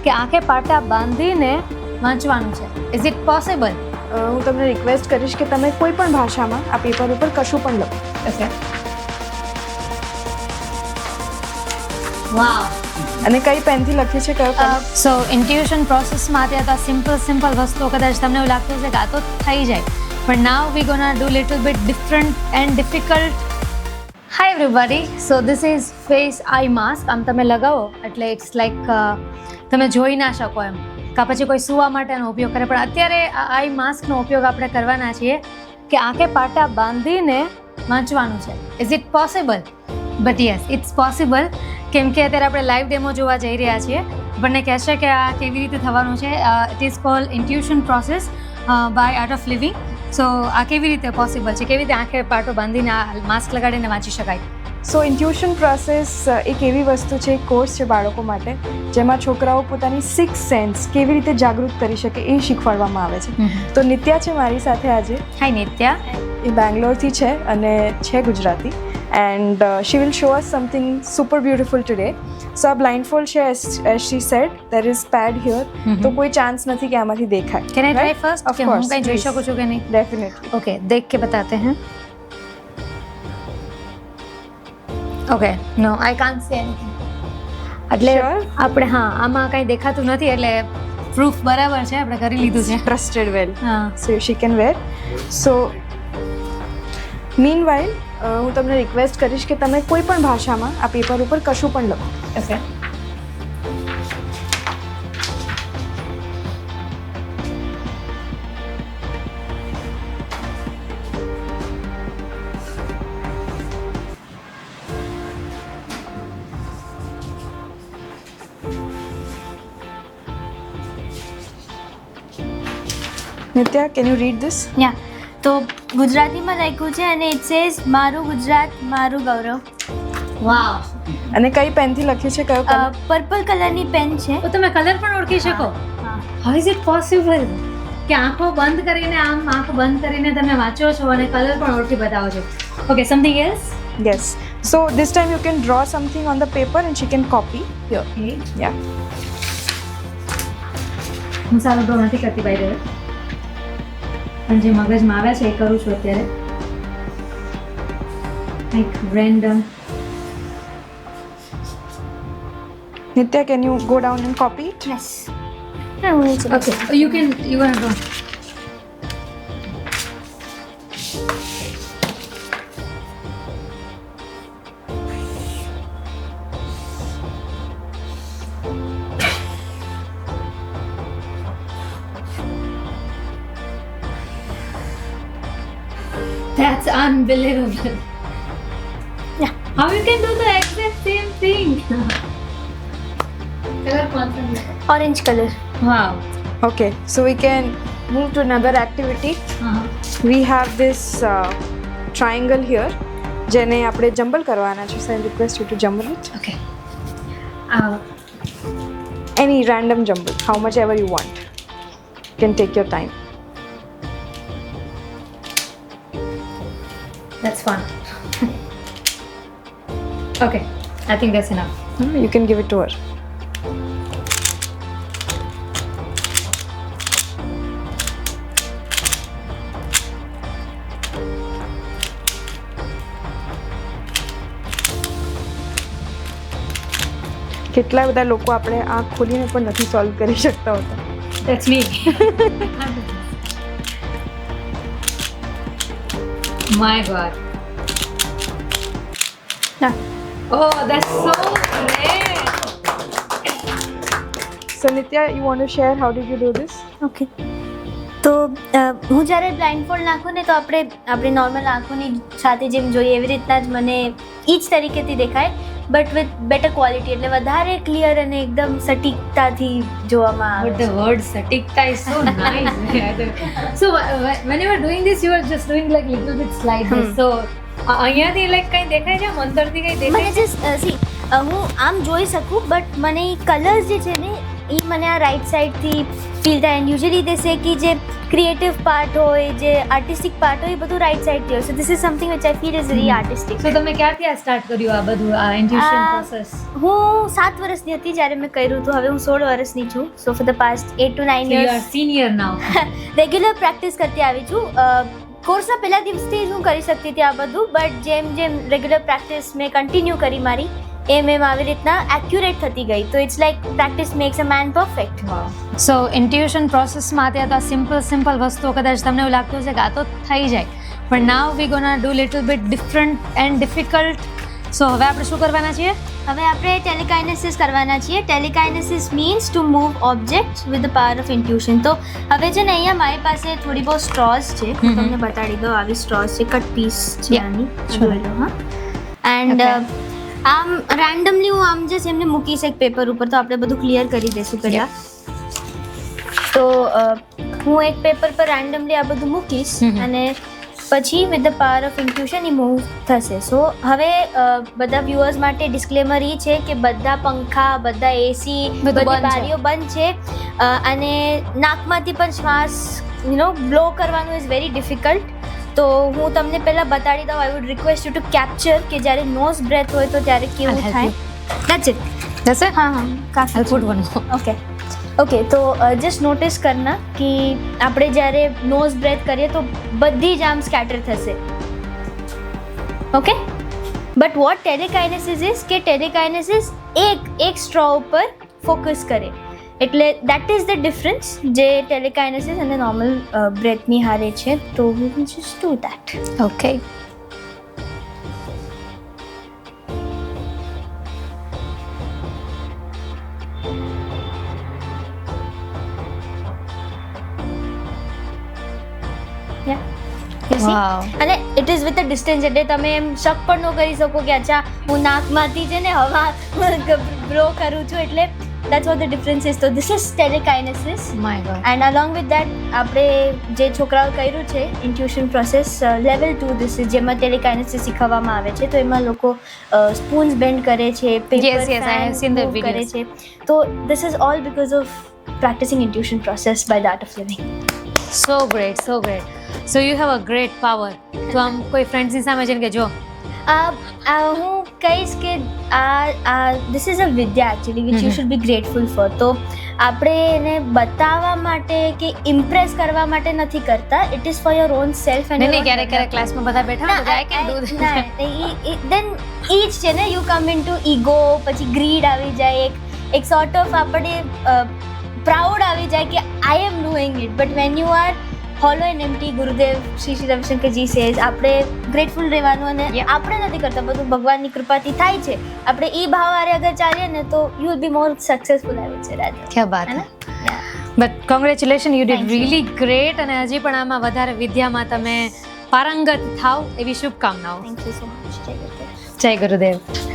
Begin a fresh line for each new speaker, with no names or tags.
કે આંખે પાટા બાંધીને વાંચવાનું છે. Is it possible?
હું તમને રિક્વેસ્ટ કરીશ કે તમે કોઈ પણ ભાષામાં આ પેપર ઉપર કશું પણ લખો.
ઓકે. વાવ.
અને કઈ પેનથી લખ્યું છે, કયો પેન?
સો ઇન્ટ્યુશન પ્રોસેસમાં અત્યારે તો સિમ્પલ વસ્તુઓ કદાચ તમને એવું લાગતું હશે કે આ તો થઈ જાય, પણ now we gonna do little bit different and difficult. Hi everybody, so this is face eye mask. આમ તમે લગાવો એટલે ઇટ્સ લાઈક તમે જોઈ ના શકો એમ, કાં પછી કોઈ સૂવા માટેનો ઉપયોગ કરે, પણ અત્યારે આઈ માસ્કનો ઉપયોગ આપણે કરવાના છીએ કે આંખે પાટા બાંધીને વાંચવાનું છે. Is it possible? But yes, it's possible. કેમ કે અત્યારે આપણે લાઈવ ડેમો જોવા જઈ રહ્યા છીએ. આપણને કહેશે કે આ કેવી રીતે થવાનું છે. It is called intuition process by art of living. So આ કેવી રીતે પોસિબલ છે, કેવી રીતે આંખે પાટો બાંધીને આ માસ્ક લગાડીને વાંચી શકાય?
સો ઇન્ટ્યુશન પ્રોસેસ એક એવી વસ્તુ છે, એક કોર્સ છે બાળકો માટે, જેમાં છોકરાઓ પોતાની સિક્સ સેન્સ કેવી રીતે જાગૃત કરી શકે એ શીખવાડવામાં આવે છે. તો નિત્યા છે મારી સાથે આજે.
હાય નિત્યા.
એ બેંગ્લોરથી છે અને છે Gujarati. And she will show us something super beautiful today. So a blindfold છે, as she said, there is pad here. તો કોઈ ચાન્સ નથી કે આમાંથી દેખાય.
Can I try
Right?
first?
Of
કે
course,
હું કઈ જોઈ
please.
શકું છું કે નહીં?
Definitely.
ओके, देख के बताते हैं. Okay, no I can't see anything. એટલે
Sure?
આપણે હા આમાં કંઈ દેખાતું નથી, એટલે પ્રૂફ બરાબર છે, આપણે કરી લીધું છે.
Trusted well.
હા.
So she can wear. So meanwhile હું તમને રિક્વેસ્ટ કરીશ કે તમે કોઈ પણ ભાષામાં આ પેપર ઉપર કશું પણ લખો.
Okay.
Nitya, can you read this?
યા તો ગુજરાતીમાં લખ્યું છે અને ઇટ સેઝ મારું ગુજરાત મારું ગૌરવ.
વાવ.
અને કઈ પેનથી લખ્યું છે, કયો કલર?
પર્પલ કલરની પેન છે.
તો તમે કલર પણ ઓળખી શકો?
હા.
હાઉ ઇઝ ઇટ પોસિબલ કે આંખો બંધ કરીને આંખ બંધ કરીને તમે વાંચો છો અને કલર પણ ઓળખી બતાવો છો? Okay, something else?
Yes. So this time you can draw something on the paper and she can copy here. Yeah.
હું સારું ડ્રો નથી કરતી બાય ધ વે, પણ જે મગજમાં આવે છે એ કરું છું અત્યારે. Like random.
Nitya, can you go down and copy it?
Yes. હું નીચે
okay, you can draw. That's unbelievable.
Yeah.
How you can do the exact same thing? Color confident.
Orange colour.
Wow.
Okay. So we can move to another activity. We have this triangle here. જેને આપણે jumble કરવાના છે. So I request you to jumble it.
Okay.
Any random jumble, how much ever you want. You can take your time.
That's fun. Okay, I think that's enough.
You can give it to her. કેટલા બધા લોકો આપણે આંખ ખોલીને પણ નથી solve કરી શકતા હોતા.
That's me. My God.
Yeah.
Oh, that's so great.
So Nitya, you want to share how did you do this?
Okay. તો હું જ્યારે બ્લાઇન્ડફોલ્ડ નાખું ને તો આપણે નોર્મલ આંખોની સાથે જેમ જોઈએ એવી રીતના જ મને એ જ તરીકેથી દેખાય, બટ વિથ બેટર ક્વોલિટી, એટલે વધારે ક્લિયર અને એકદમ સટીકતાથી જોવામાં
But
આવે.
the word satikta is so nice. So when you were doing this, you were just doing like little bit slide this. So અહીંયાથી like કંઈ દેખાય છે, અંદરથી કંઈ
મને
દેખાય છે?
જસ્ટ હું આમ જોઈ શકું, બટ મને કલર્સ જે છે ને એ મને આ રાઈટ સાઈડથી ફીલ થાય એન્ડ યુઝ્યુઅલી દે સે કે જે ક્રિએટિવ પાર્ટ હોય જે આર્ટિસ્ટિક પાર્ટ હોય એ બધું રાઈટ સાઈડથી હોય so this is something which I feel is very artistic.
So તમે ક્યારથી આ સ્ટાર્ટ કર્યું આ બધું આ ઇન્ટ્યુશન પ્રોસેસ?
હું 7 વર્ષની હતી જ્યારે મેં કર્યું હતું. હવે હું 16 વર્ષની છું. So for the past 8 to 9
you are
years
senior now.
Regular practice કરતી આવી છું. કોર્સના પહેલા દિવસથી જ હું કરી શકતી હતી આ બધું બટ જેમ જેમ રેગ્યુલર પ્રેક્ટિસ મેં કન્ટિન્યુ કરી મારી એમ આવી રીતના એક્યુરેટ થતી ગઈ. તો it's like practice makes a man perfect.
So intuition પ્રોસેસમાં અત્યારે તો આ સિમ્પલ વસ્તુઓ કદાચ તમને એવું લાગતું હશે કે આ તો થઈ જાય, પણ now we gonna do little bit different and difficult. So હવે આપણે શું કરવાના છીએ?
હવે આપણે ટેલિકાઇનેસિસ કરવાના છીએ. Telekinesis means to move objects with the power of intuition. તો હવે છે ને અહીંયા મારી પાસે થોડી બહુ સ્ટ્રોઝ છે. હું તમને બતાડી દઉં. આવી સ્ટ્રોઝ છે, કટ પીસ છે આની. જોઈ લો. હા એન્ડ આમ રેન્ડમલી હું આમ જસ્ટ એમને મૂકીશ એક પેપર ઉપર. તો આપણે બધું ક્લિયર કરી દઈશું પહેલાં. તો હું એક પેપર પર રેન્ડમલી આ બધું મૂકીશ અને પછી with the power of intuition એ મૂવ થશે. સો હવે બધા વ્યુઅર્સ માટે ડિસ્ક્લેમર એ છે કે બધા પંખા, બધા એસી, બધી બારીઓ બંધ છે અને નાકમાંથી પણ શ્વાસ બ્લો કરવાનું ઇઝ વેરી ડિફિકલ્ટ. તો હું તમને પહેલાં બતાડી દઉં. I would request you to capture કે જ્યારે નોઝ બ્રેથ હોય તો ત્યારે કેવું થાય. That's it.
જશે?
હા હા કાફી.
I'll put one more.
Okay તો જસ્ટ નોટિસ કરના કે આપણે જ્યારે નોઝ બ્રેથ કરીએ તો બધી જ આમ સ્કેટર થશે. Okay but what telekinesis is કે ટેલિકાઇનેસિસ એક સ્ટ્રો ઉપર ફોકસ કરે. એટલે દેટ ઇઝ ધ ડિફરન્સ જે ટેલિકાઇનેસિસ અને નોર્મલ બ્રેથની હારે છે. તો we will just do that.
Okay.
અને it is with a distance. એટલે તમે એમ શક પણ ન કરી શકો કે અચ્છા હું નાકમાંથી છે ને હવા બ્લો કરું છું. એટલે that's what the difference is. So this is telekinesis.
My God.
And along with that આપણે જે છોકરાઓ કર્યું છે intuition process level 2 this is જેમાં telekinesis શીખવવામાં આવે છે. તો એમાં લોકો સ્પૂન્સ બેન્ડ કરે છે, paper
Yes, I have seen the
કરે
videos.
છે. તો this is all because of practicing intuition process by the art of living.
So great, so great. So you have a great power. તો આમ કોઈ ફ્રેન્ડ્સની સામે જઈને કે જો
હું કહીશ કે ધીસ ઇઝ અ વિદ્યા actually which you should be grateful for. તો આપણે એને બતાવવા માટે કે ઇમ્પ્રેસ કરવા માટે નથી કરતા. It is for your own self. And
નહીં ક્યારેક ક્લાસમાં બધા બેઠા હોય I can do that.
Then ઈ જ છે ને you come in to ego, પછી ગ્રીડ આવી જાય, એક સોર્ટ ઓફ આપણે પ્રાઉડ આવી જાય કે I am doing it. But when you are hollow and empty, Gurudev Shri Ravishankarji says આપણે ગ્રેટફુલ રહેવાનું. અને આપણે નથી કરતા, બધું ભગવાનની કૃપાથી થાય છે. આપણે એ ભાવ હારે અગર ચાલીએ ને તો you will be more successful આવી છે. રાધે
ક્યાં બાત હે. But congratulation, you did really great. અને હજી પણ આમાં વધારે વિદ્યામાં તમે પારંગત થાવ એવી શુભકામનાઓ.
Thank you so much.
જય ગુરુદેવ.